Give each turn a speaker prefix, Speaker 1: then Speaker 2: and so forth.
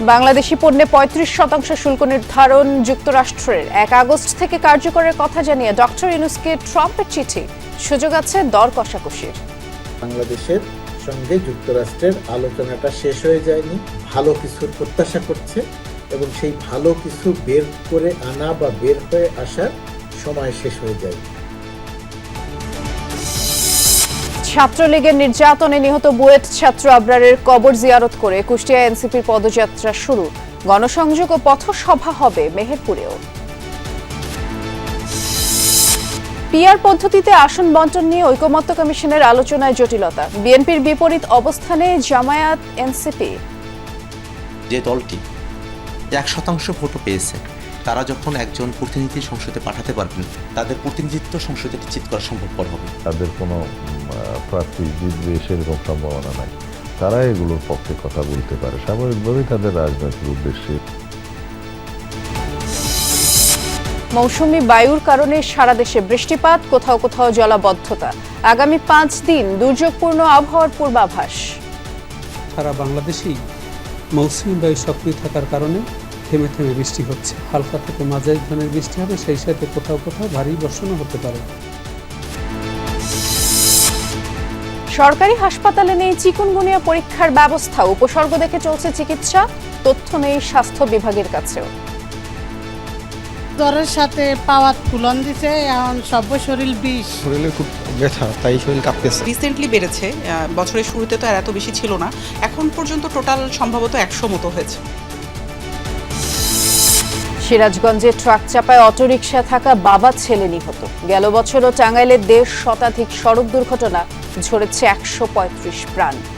Speaker 1: বাংলাদেশি পণ্যে ৩৫% শুল্ক নির্ধারণ যুক্তরাষ্ট্রের ১ আগস্ট থেকে কার্যকরের কথা জানিয়ে ডক্টর ইউনূসকে ট্রাম্পের চিঠি। সুযোগ আছে দর কষাকষির।
Speaker 2: বাংলাদেশের সঙ্গে যুক্তরাষ্ট্রের আলোচনাটা শেষ হয়ে যায়নি, ভালো কিছুর প্রত্যাশা করছে এবং সেই ভালো কিছু বের করে আনা বা বের হয়ে আসার সময় শেষ হয়ে যায়।
Speaker 1: ছাত্রলীগের নির্যাতনে নিহত বুয়েট ছাত্র আবরারের কবর জিয়ারত করে কুষ্টিয়া এনসিপির পদযাত্রা শুরু। গণসংযোগ ও পথসভা হবে মেহেরপুরেও। পিআর পদ্ধতিতে আসন বণ্টন নিয়ে ঐকমত্য কমিশনের আলোচনায় জটিলতা। বিএনপির বিপরীত অবস্থানে জামায়াত এনসিপি।
Speaker 3: যে দলটি 1% ভোটও পেয়েছে তারা যখন একজন প্রতিনিধি সংসদে পাঠাতে পারবেন, তাদের প্রতিনিধিত্ব সংসদে নিশ্চিত করা সম্ভবপর হবে।
Speaker 4: তাদের কোনো প্রার্থী জিতবে সেরকম সম্ভাবনা নাই। তারা এগুলোর পক্ষে কথা বলতে পারে স্বাভাবিকভাবেই তাদের রাজনৈতিক উদ্দেশ্যে।
Speaker 1: মৌসুমী বায়ুর কারণে সারা দেশে বৃষ্টিপাত, কোথাও কোথাও জলাবদ্ধতা। আগামী 5 দিন দুর্যোগপূর্ণ আবহাওয়ার পূর্বাভাস।
Speaker 5: সারা বাংলাদেশেই মৌসুমী বায়ু সক্রিয় থাকার কারণে থেমে থেমে বৃষ্টি হচ্ছে। হালকা থেকে মাঝারি ধরনের বৃষ্টি হবে, সেই সাথে কোথাও কোথাও ভারী বর্ষণও হতে পারে।
Speaker 1: সরকারি হাসপাতালে নেই চিকুনগুনিয়া পরীক্ষার ব্যবস্থা। উপসর্গ দেখে চলছে চিকিৎসা, তথ্য নেই স্বাস্থ্য বিভাগের কাছেও।
Speaker 6: জ্বরের সাথে পাওয়ার ফুলন দিছে, এখন সব শরীর বিষ।
Speaker 7: শরীরে খুব ব্যথা, তাই শরীর কাঁপতেছে।
Speaker 8: রিসেন্টলি বেড়েছে, বছরের শুরুতে তো আর এত বেশি ছিল না। এখন পর্যন্ত টোটাল সম্ভবত 100 মতো হয়েছে।
Speaker 1: সিরাজগঞ্জে ট্রাক চাপায় অটোরিকশা থাকা বাবা ছেলে নিহত। গেল বছরও টাঙ্গাইলে 1.5 শতাধিক সড়ক দুর্ঘটনা, ঝরেছে 135 প্রাণ।